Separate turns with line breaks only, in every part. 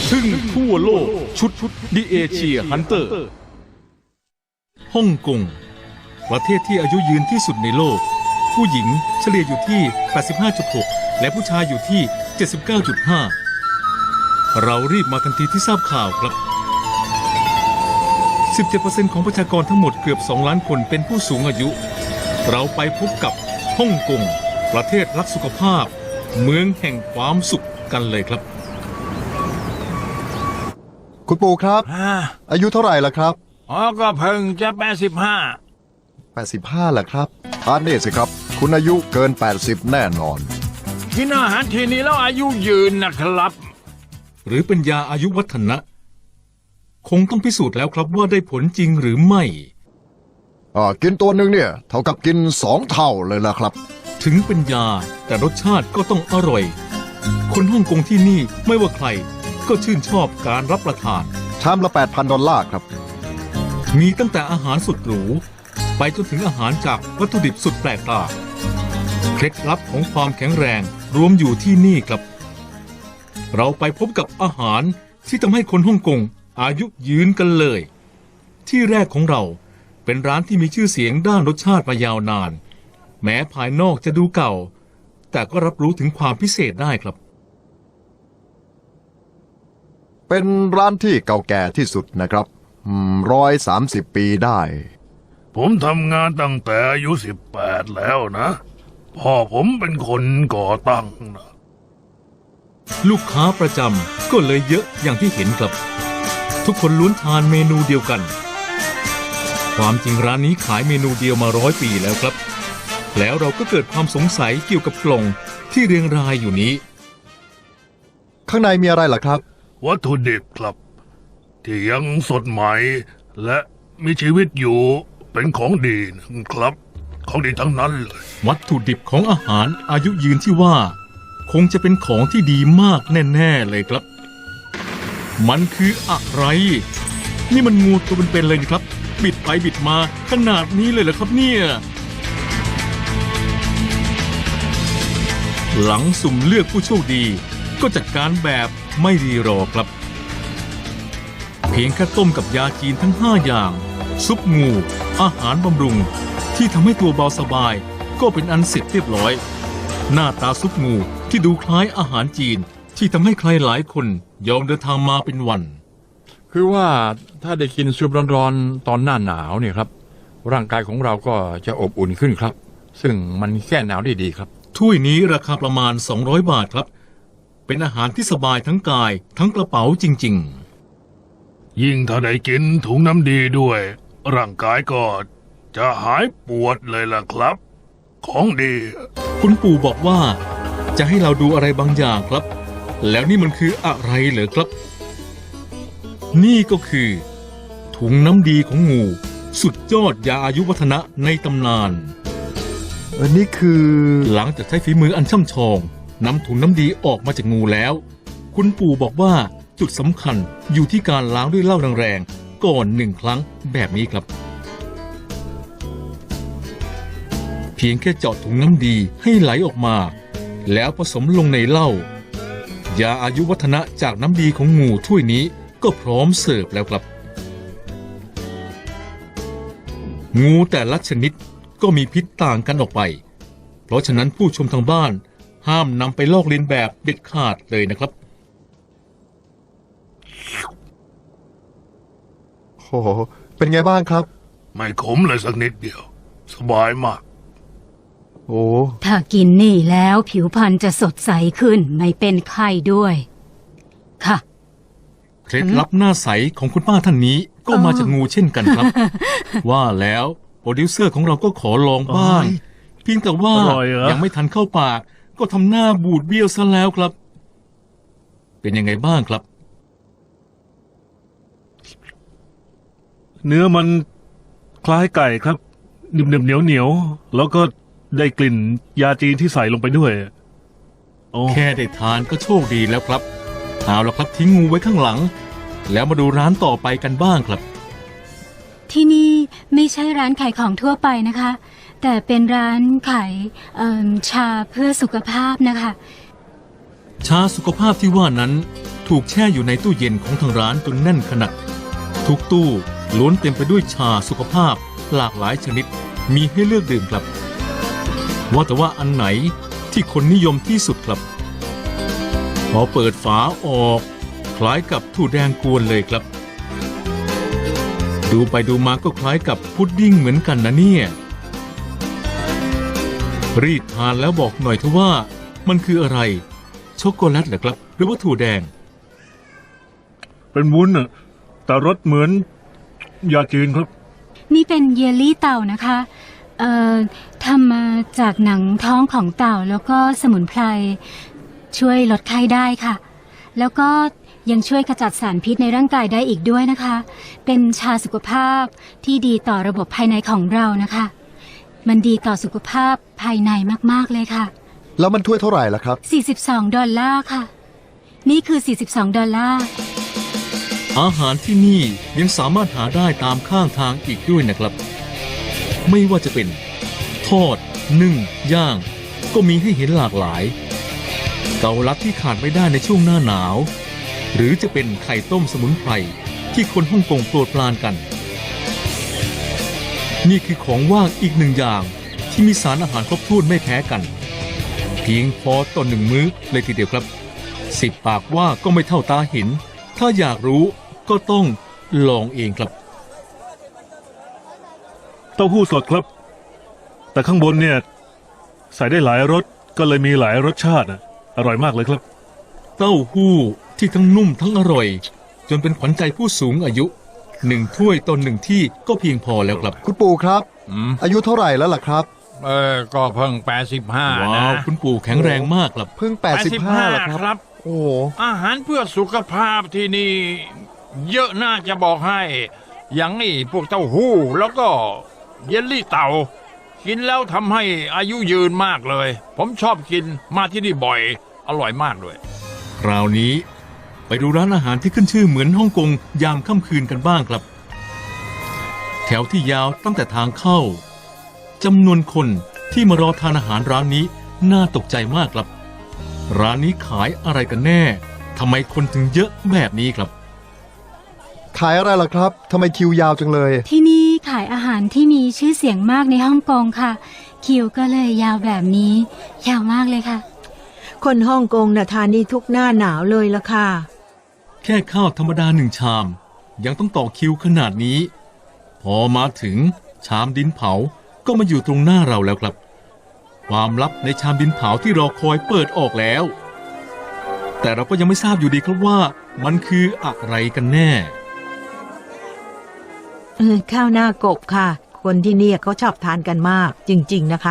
ทึ่งทั่วโลกชุดดิเอเชียฮันเตอร์ฮ่องกงประเทศที่อายุยืนที่สุดในโลกผู้หญิงเฉลี่ยอยู่ที่ 85.6 และผู้ชายอยู่ที่ 79.5 เรารีบมาทันทีที่ทราบข่าวครับ 17% ของประชากรทั้งหมดเกือบ 2 ล้านคนเป็นผู้สูงอายุเราไปพบกับฮ่องกงประเทศรักสุขภาพเมืองแห่งความสุขกันเลยครับ
คุณปู่ครับอายุเท่าไหร่ล่ะครับ
ก็เพิ่งจะ
85ล่ะครับอ่านนี่สิครับคุณอายุเกิน80แน่นอน
กินอาหารทีนี้แล้วอายุยืนนะครับ
หรือเป็นยาอายุวัฒนะคงต้องพิสูจน์แล้วครับว่าได้ผลจริงหรือไม่
กินตัวหนึ่งเนี่ยเท่ากับกิน2 เท่าเลยล่ะครับ
ถึงเป็นยาแต่รสชาติก็ต้องอร่อยคนฮ่องกงที่นี่ไม่ว่าใครก็ชื่นชอบการรับประทาน
ชามละ 8,000 ดอลลาร์ครับ
มีตั้งแต่อาหารสุดหรูไปจนถึงอาหารจากวัตถุดิบสุดแปลกตาเคล็ดลับของความแข็งแรงรวมอยู่ที่นี่ครับเราไปพบกับอาหารที่ทำให้คนฮ่องกงอายุยืนกันเลยที่แรกของเราเป็นร้านที่มีชื่อเสียงด้านรสชาติมายาวนานแม้ภายนอกจะดูเก่าแต่ก็รับรู้ถึงความพิเศษได้ครับ
เป็นร้านที่เก่าแก่ที่สุดนะครับ130 ปีได้
ผมทำงานตั้งแต่อายุ18แล้วนะพ่อผมเป็นคนก่อตั้งนะ
ลูกค้าประจำก็เลยเยอะอย่างที่เห็นครับทุกคนล้วนทานเมนูเดียวกันความจริงร้านนี้ขายเมนูเดียวมา100 ปีแล้วครับแล้วเราก็เกิดความสงสัยเกี่ยวกับกล่องที่เรียงรายอยู่นี้
ข้างในมีอะไรล่ะครับ
วัตถุดิบครับที่ยังสดใหม่และมีชีวิตอยู่เป็นของดีนะครับของดีทั้งนั้นเลย
วัตถุดิบของอาหารอายุยืนที่ว่าคงจะเป็นของที่ดีมากแน่ๆเลยครับมันคืออะไรนี่มันงูตัวเป็นๆเลยครับบิดไปบิดมาขนาดนี้เลยเหรอครับเนี่ยหลังสุ่มเลือกผู้โชคดีก็จัดการแบบไม่รีรอครับเพียงแค่ต้มกับยาจีนทั้ง5 อย่างซุปงูอาหารบำรุงที่ทำให้ตัวเบาสบายก็เป็นอันเสร็จเรียบร้อยหน้าตาซุปงูที่ดูคล้ายอาหารจีนที่ทำให้ใครหลายคนยอมเดินทางมาเป็นวัน
คือว่าถ้าได้กินซุปร้อนๆตอนหน้าหนาวเนี่ยครับร่างกายของเราก็จะอบอุ่นขึ้นครับซึ่งมันแก้หนาวได้ดีครับ
ถ้วยนี้ราคาประมาณ200 บาทครับเป็นอาหารที่สบายทั้งกายทั้งกระเป๋าจริง
ๆยิ่งถ้าได้กินถุงน้ำดีด้วยร่างกายก็จะหายปวดเลยล่ะครับของดี
คุณปู่บอกว่าจะให้เราดูอะไรบางอย่างครับแล้วนี่มันคืออะไรเหรอครับนี่ก็คือถุงน้ำดีของงูสุดยอดยาอายุวัฒนะในตำนาน
นี่คือ
หลังจากใช้ฝีมืออันช่ำชองนำถุงน้ำดีออกมาจากงูแล้วคุณปู่บอกว่าจุดสำคัญอยู่ที่การล้างด้วยเหล้าแรงๆก่อน1 ครั้งแบบนี้ครับเพียงแค่เจาะถุงน้ำดีให้ไหลออกมาแล้วผสมลงในเหล้ายาอายุวัฒนะจากน้ำดีของงูถ้วยนี้ก็พร้อมเสิร์ฟแล้วครับงูแต่ละชนิดก็มีพิษต่างกันออกไปเพราะฉะนั้นผู้ชมทางบ้านห้ามนำไปลอกเลียนแบบเด็ดขาดเลยนะครับ
โอ้โหเป็นไงบ้างครับ
ไม่ขมเลยสักนิดเดียวสบายมาก
โอ้
ถ้ากินนี่แล้วผิวพรรณจะสดใสขึ้นไม่เป็นไข้ด้วยค่ะ
เคล็ดลับหน้าใสของคุณป้าท่านนี้ก็มาจากงูเช่นกันครับว่าแล้วโปรดิวเซอร์ของเราก็ขอลองบ้างเพียงแต่ว่ายังไม่ทันเข้าปากก็ทำหน้าบูดเบี้ยวซะแล้วครับเป็นยังไงบ้างครับ
เนื้อมันคล้ายไก่ครับหนึบๆเหนียวๆแล้วก็ได้กลิ่นยาจีนที่ใส่ลงไปด้วย
แค่ได้ทานก็โชคดีแล้วครับเอาละครับทิ้งงูไว้ข้างหลังแล้วมาดูร้านต่อไปกันบ้างครับ
ที่นี่ไม่ใช่ร้านขายของทั่วไปนะคะแต่เป็นร้านขายชาเพื่อสุขภาพนะคะ
ชาสุขภาพที่ว่านั้นถูกแช่อยู่ในตู้เย็นของทางร้านจนแน่นขนาดทุกตู้ล้วนเต็มไปด้วยชาสุขภาพหลากหลายชนิดมีให้เลือกดื่มครับว่าแต่ว่าอันไหนที่คนนิยมที่สุดครับพอเปิดฝาออกคล้ายกับถั่วแดงกวนเลยครับดูไปดูมาก็คล้ายกับพุดดิ้งเหมือนกันนะเนี่ยรีดทานแล้วบอกหน่อยเถอะว่ามันคืออะไรช็อกโกแลตเหรอครับหรือว่าถั่วแดง
เป็นวุ้นน่ะแต่รสเหมือนยาจีนครับ
นี่เป็นเยลลี่เต่านะคะทำมาจากหนังท้องของเต่าแล้วก็สมุนไพรช่วยลดไข้ได้ค่ะ แล้วก็ยังช่วยขจัดสารพิษในร่างกายได้อีกด้วยนะคะ เป็นชาสุขภาพที่ดีต่อระบบภายในของเรานะคะ มันดีต่อสุขภาพภายในมากๆเลยค่ะ
แล้วมันถ้วยเท่าไหร่ล่ะครับ
42 ดอลลาร์ค่ะ นี่คือ 42 ดอลลาร์
อาหารที่นี่ยังสามารถหาได้ตามข้างทางอีกด้วยนะครับ ไม่ว่าจะเป็นทอดนึ่งย่างก็มีให้เห็นหลากหลายเกาลัดที่ขาดไม่ได้ในช่วงหน้าหนาว หรือจะเป็นไข่ต้มสมุนไพรที่คนฮ่องกงโปรดปรานกัน นี่คือของว่างอีกหนึ่งอย่างที่มีสารอาหารครบถ้วนไม่แพ้กัน เพียงพอต่อหนึ่งมื้อเลยทีเดียวครับ10 ปากว่าก็ไม่เท่าตาเห็นถ้าอยากรู้ก็ต้องลองเองครับ
เต้าหู้สดครับ แต่ข้างบนเนี่ยใส่ได้หลายรสก็เลยมีหลายรสชาติอ่ะอร่อยมากเลยครับ
เต้าหู้ที่ทั้งนุ่มทั้งอร่อย จนเป็นขวัญใจผู้สูงอายุ1 ถ้วยต่อ1ที่ก็เพียงพอแล้วครับ
คุณปู่ครับ
อืม
อายุเท่าไหร่แล้วล่ะครับ
ก็เพิ่ง85
ว้า
นะ
วคุณปู่แข็งแรงมากครับ
เพิ่ง 85แล้วครับ
ครับ
โอ้โห
อาหารเพื่อสุขภาพที่นี่ เยอะน่าจะบอกให้ อย่างนี่พวกเต้าหู้แล้วก็เยลลี่เต่า กินแล้วทำให้อายุยืนมากเลย ผมชอบกินมาที่นี่บ่อย อร่อยมากด้วย
คราวนี้ไปดูร้านอาหารที่ขึ้นชื่อเหมือนฮ่องกงยามค่ำคืนกันบ้างครับ แถวที่ยาวตั้งแต่ทางเข้าจำนวนคนที่มารอทานอาหารร้านนี้น่าตกใจมากครับ ร้านนี้ขายอะไรกันแน่ทำไมคนถึงเยอะแบบนี้ครับ
ขายอะไรล่ะครับทำไมคิวยาวจังเลย
ที่นี่ขายอาหารที่มีชื่อเสียงมากในฮ่องกงค่ะ คิวก็เลยยาวแบบนี้ยาวมากเลยค่ะ
คนฮ่องกงน่ะทานนี่ทุกหน้าหนาวเลยละค่ะ
แค่ข้าวธรรมดา1 ชาม ยังต้องต่อคิวขนาดนี้ พอมาถึงชามดินเผาก็มาอยู่ตรงหน้าเราแล้วครับ ความลับในชามดินเผาที่รอคอยเปิดออกแล้ว แต่เราก็ยังไม่ทราบอยู่ดีครับว่ามันคืออะไรกันแน่
ข้าวหน้ากบค่ะ คนที่เนี่ยเขาชอบทานกันมากจริงๆนะคะ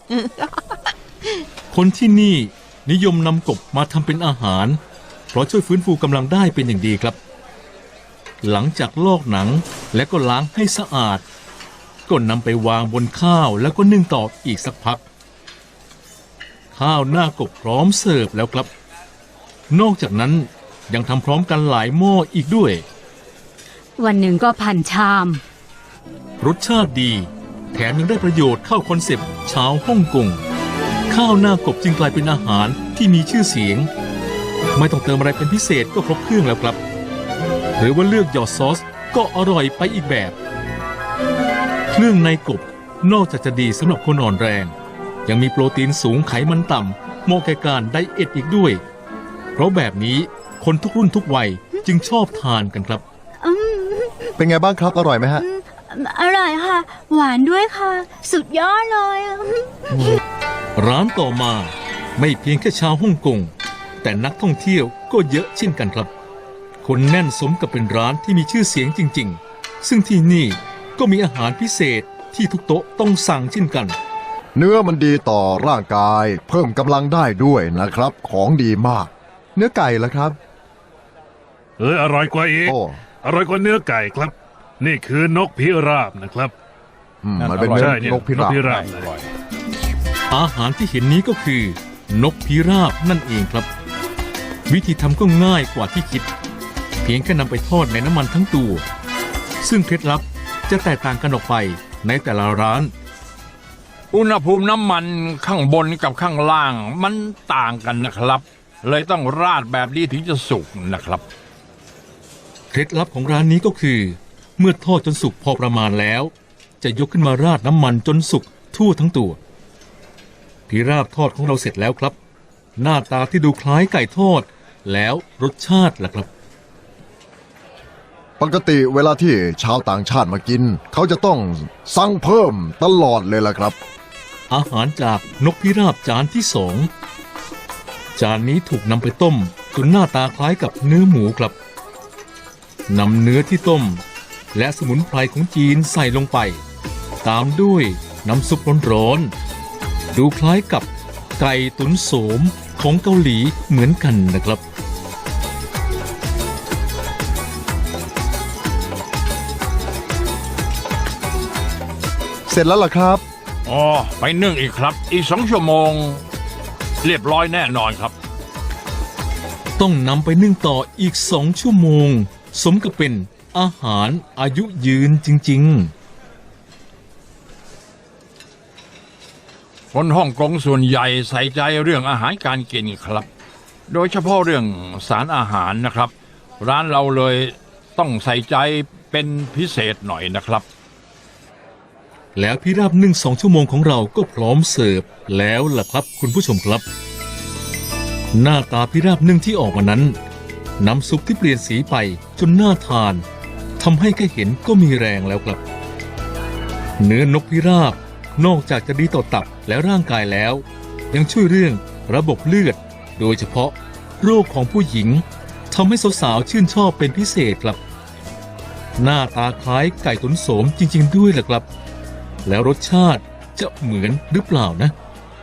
คนที่นี่นิยมนำกบมาทำเป็นอาหาร เพราะช่วยฟื้นฟูกำลังได้เป็นอย่างดีครับ หลังจากลอกหนังและก็ล้างให้สะอาด ก็นำไปวางบนข้าวแล้วก็นึ่งต่ออีกสักพัก ข้าวหน้ากบพร้อมเสิร์ฟแล้วครับ นอกจากนั้นยังทำพร้อมกันหลายหม้ออีกด้วย
วันหนึ่งก็1,000 ชาม
รสชาติดี แถมยังได้ประโยชน์เข้าคอนเซปต์ชาวฮ่องกง ข้าวหน้ากบจึงกลายเป็นอาหารที่มีชื่อเสียง ไม่ต้องเติมอะไรเป็นพิเศษก็ครบเครื่องแล้วครับ หรือว่าเลือกหยอดซอสก็อร่อยไปอีกแบบ เครื่องในกบนอกจากจะดีสำหรับคนอ่อนแรง ยังมีโปรตีนสูงไขมันต่ำเหมาะแก่การไดเอทอีกด้วย เพราะแบบนี้คนทุกรุ่นทุกวัยจึงชอบทานกันครับ
เป็นไงบ้างครับอร่อยไหมฮะ
อร่อยค่ะ หวานด้วยค่ะ สุดยอดเลย
ร้านต่อมาไม่เพียงแค่ชาวฮ่องกงแต่นักท่องเที่ยวก็เยอะเช่นกันครับ คนแน่นสมกับเป็นร้านที่มีชื่อเสียงจริงๆ ซึ่งที่นี่ก็มีอาหารพิเศษที่ทุกโต๊ะต้องสั่งเช่นกัน
เนื้อมันดีต่อร่างกายเพิ่มกำลังได้ด้วยนะครับ ของดีมาก เนื้อไก่ล่ะครับ
อร่อยกว่าอีก
โอ้
อร่อยกว่าเนื้อไก่ครับ นี่คือนกพิราบนะครับ
มันเป็น
อร่อย
เนื้อ
ใช่เนี่ย
นกพิราบ
นกพิราบ
อร่อย
อาหารที่เห็นนี้ก็คือ นกพิราบนั่นเองครับ วิธีทำก็ง่ายกว่าที่คิด เพียงแค่นำไปทอดในน้ำมันทั้งตัว ซึ่งเคล็ดลับจะแตกต่างกันออกไปในแต่ละร้าน
อุณหภูมิน้ำมันข้างบนกับข้างล่างมันต่างกันนะครับเลยต้องราดแบบนี้ถึงจะสุกนะครับ
เคล็ดลับของร้านนี้ก็คือ เมื่อทอดจนสุกพอประมาณแล้ว จะยกขึ้นมาราดน้ำมันจนสุกทั่วทั้งตัวพิราบทอดของเราเสร็จแล้วครับ หน้าตาที่ดูคล้ายไก่ทอด แล้วรสชาติล่ะครับ
ปกติเวลาที่ชาวต่างชาติมากิน เขาจะต้องสั่งเพิ่มตลอดเลยล่ะครับ
อาหารจากนกพิราบจานที่สองจานนี้ถูกนำไปต้มจนหน้าตาคล้ายกับเนื้อหมูครับนำเนื้อที่ต้ม และสมุนไพรของจีนใส่ลงไป ตามด้วยน้ำซุปร้อนๆดูคล้ายกับไก่ตุ๋นโสมของเกาหลีเหมือนกันนะครับ
เสร็จแล้วล่ะครับ
อ๋อ ไปนึ่งอีกครับ อีก2 ชั่วโมง เรียบร้อยแน่นอนครับ
ต้องนำไปนึ่งต่ออีก2 ชั่วโมง สมกับเป็นอาหารอายุยืนจริงๆ
คนฮ่องกงส่วนใหญ่ใส่ใจเรื่องอาหารการกินครับ โดยเฉพาะเรื่องสารอาหารนะครับ ร้านเราเลยต้องใส่ใจเป็นพิเศษหน่อยนะครับ
แล้วพิราบนึ่ง2 ชั่วโมงของเราก็พร้อมเสิร์ฟแล้วล่ะครับคุณผู้ชมครับ หน้าตาพิราบนึ่งที่ออกมานั้น น้ำซุปที่เปลี่ยนสีไปจนน่าทานทำให้แค่เห็นก็มีแรงแล้วครับ เนื้อนกพิราบนอกจากจะดีต่อตับและร่างกายแล้ว ยังช่วยเรื่องระบบเลือด โดยเฉพาะโรคของผู้หญิงทำให้สาวๆชื่นชอบเป็นพิเศษครับ หน้าตาคล้ายไก่ตุ๋นโสมจริงๆด้วยล่ะครับ แล้วรสชาติจะเหมือนหรือเปล่านะ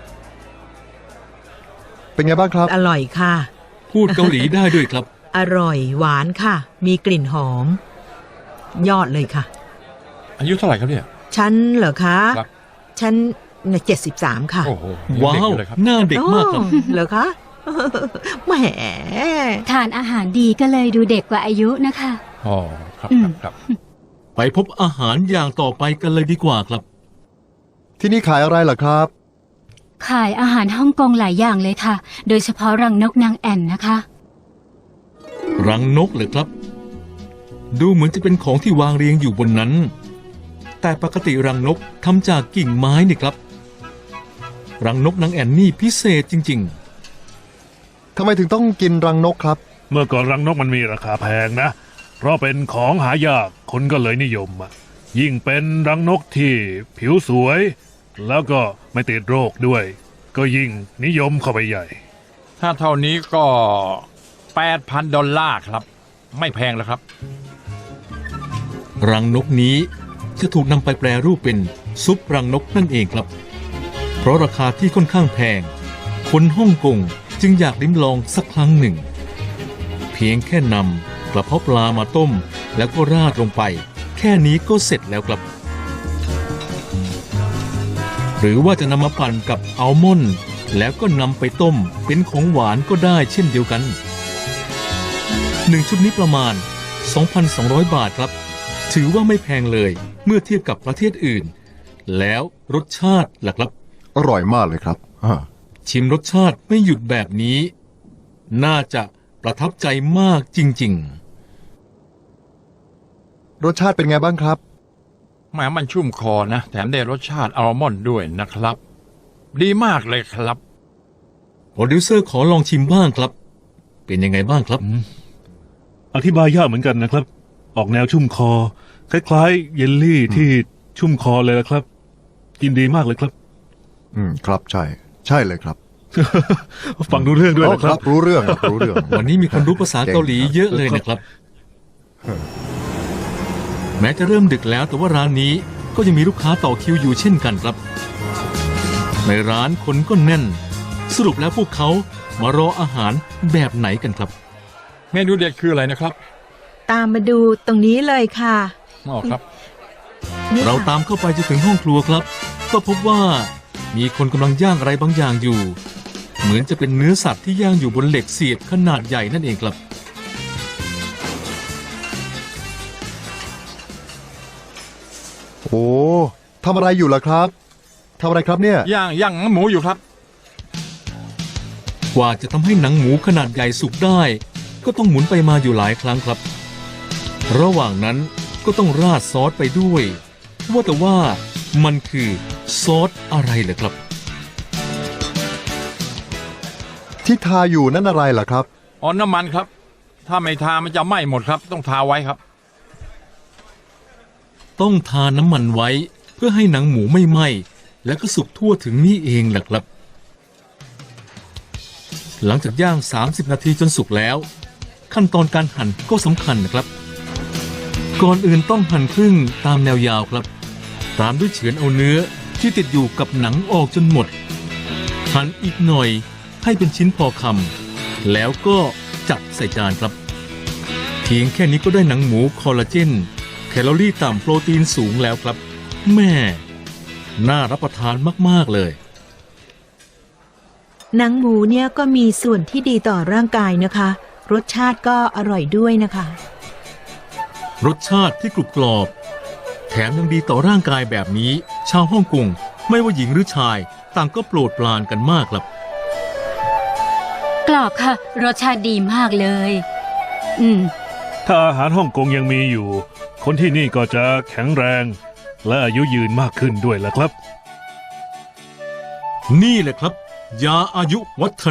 เป็นไงบ้างครับ
อร่อยค่ะ
พูดเกาหลีได้ด้วยครับ
อร่อยหวานค่ะ มีกลิ่นหอม ยอดเลยค่ะ
อายุเท่าไหร่ครับเนี่ย
ฉันเหรอคะ
ครับ
ฉัน73 ค่ะ
โอ้โห
ว้าว
ยังเด็กอยู่เลยครับ
หน้าเด็กมากครับ
โอ้เหรอคะ แหม
ทานอาหารดีก็เลยดูเด็กกว่าอายุนะคะ
อ๋อครับครับ
ไปพบอาหารอย่างต่อไปกันเลยดีกว่าครับ
ที่นี่ขายอะไรล่ะครับ
ขายอาหารฮ่องกงหลายอย่างเลยค่ะ โดยเฉพาะรังนกนางแอ่นนะคะ
รังนกเหรอครับ ดูเหมือนจะเป็นของที่วางเรียงอยู่บนนั้น แต่ปกติรังนกทำจากกิ่งไม้นี่ครับ รังนกนางแอ่นนี่พิเศษจริง
ทำไมถึงต้องกินรังนกครับ
เมื่อก่อนรังนกมันมีราคาแพงนะ เพราะเป็นของหายากคนก็เลยนิยมอะยิ่งเป็นรังนกที่ผิวสวย แล้วก็ไม่ติดโรคด้วย ก็ยิ่งนิยมเข้าไปใหญ่
ถ้าเท่านี้ก็ $8,000 ครับ ไม่แพงแล้วครับ
ๆ รังนกนี้จะถูกนำไปแปรรูปเป็นซุปรังนกนั่นเองครับ เพราะราคาที่ค่อนข้างแพง คนฮ่องกงจึงอยากลิ้มลองสักครั้งหนึ่ง เพียงแค่นำกระเพาะปลามาต้ม แล้วก็ราดลงไป แค่นี้ก็เสร็จแล้วครับ หรือว่าจะนำมาปั่นกับอัลมอนด์แล้วก็นำไปต้มเป็นของหวานก็ได้เช่นเดียวกัน1 ชุดนี้ประมาณ 2,200 บาทครับ ถือว่าไม่แพงเลยเมื่อเทียบกับประเทศอื่น แล้วรสชาติล่ะครับ
อร่อยมากเลยครับ
ชิมรสชาติไม่หยุดแบบนี้ น่าจะประทับใจมากจริงๆ
รสชาติเป็นไงบ้างครับ
แหมมันชุ่มคอนะ แถมได้รสชาติอัลมอนด์ด้วยนะครับ ดีมากเลยครับ
โปรดิวเซอร์ขอลองชิมบ้างครับ เป็นยังไงบ้างครับ
อธิบายยากเหมือนกันนะครับ ออกแนวชุ่มคอ คล้ายๆ เยลลี่ที่ชุ่มคอเลยละครับ กินดีมากเลยครับ
ครับใช่ ใช่เลยครับ
ฟังดูเรื่องด้วย
อ๋อ
นะ
ค
ค
รั
รั
บบ รู้เรื่องครับรู้เรื่อง
วันนี้มีคนรู้ภาษาเกาหลีเยอะเลยนะครับ แม้จะเริ่มดึกแล้วแต่ว่าร้านนี้ก็ยังมีลูกค้าต่อคิวอยู่เช่นกันครับ ในร้านคนก็แน่น สรุปแล้วพวกเขามารออาหารแบบไหนกันครับ
เมนูเด็ดคืออะไรนะครับ
ตามมาดูตรงนี้เลยค่ะ
อ๋อครับ
นี่
เรา
ค่ะ
ตามเข้าไปจนถึงห้องครัวครับ ก็พบว่ามีคนกำลังย่างอะไรบางอย่างอยู่ เหมือนจะเป็นเนื้อสัตว์ที่ย่างอยู่บนเหล็กเสียบขนาดใหญ่นั่นเองครับ
โอ้ทำอะไรอยู่ล่ะครับทำอะไรครับเนี่ย
ย่างหมูอยู่ครับ
โหกว่าจะทำให้หนังหมูขนาดใหญ่สุกได้ ก็ต้องหมุนไปมาอยู่หลายครั้งครับ ระหว่างนั้นก็ต้องราดซอสไปด้วย ว่าแต่ว่ามันคือซอสอะไรเหรอครับ
ที่ทาอยู่นั่นอะไรล่ะครับ
อ๋อน้ำมันครับ ถ้าไม่ทามันจะไหม้หมดครับ ต้องทาไว้ครับ
ต้องทาน้ำมันไว้เพื่อให้หนังหมูไม่ไหม้และก็สุกทั่วถึงนี่เองแหละครับ หลังจากย่าง 30 นาทีจนสุกแล้ว ขั้นตอนการหั่นก็สำคัญนะครับ ก่อนอื่นต้องหั่นครึ่งตามแนวยาวครับ ตามด้วยเฉือนเอาเนื้อที่ติดอยู่กับหนังออกจนหมด หั่นอีกหน่อยให้เป็นชิ้นพอคำแล้วก็จัดใส่จานครับเพียงแค่นี้ก็ได้หนังหมูคอลลาเจนแคลอรี่ต่ำโปรตีนสูงแล้วครับแม่น่ารับประทานมากๆเลย
หนังหมูเนี่ยก็มีส่วนที่ดีต่อร่างกายนะคะ รสชาติก็อร่อยด้วยนะคะ
รสชาติที่กรุบกรอบแถมยังดีต่อร่างกายแบบนี้ ชาวฮ่องกงไม่ว่าหญิงหรือชายต่างก็โปรดปรานกันมากครับ
กรอบค่ะ รสชาติดีมากเลย
ถ้าอาหารฮ่องกงยังมีอยู่ คนที่นี่ก็จะแข็งแรง และอายุยืนมากขึ้นด้วยล่ะครับ
นี่แหละครับ ยาอายุวัฒ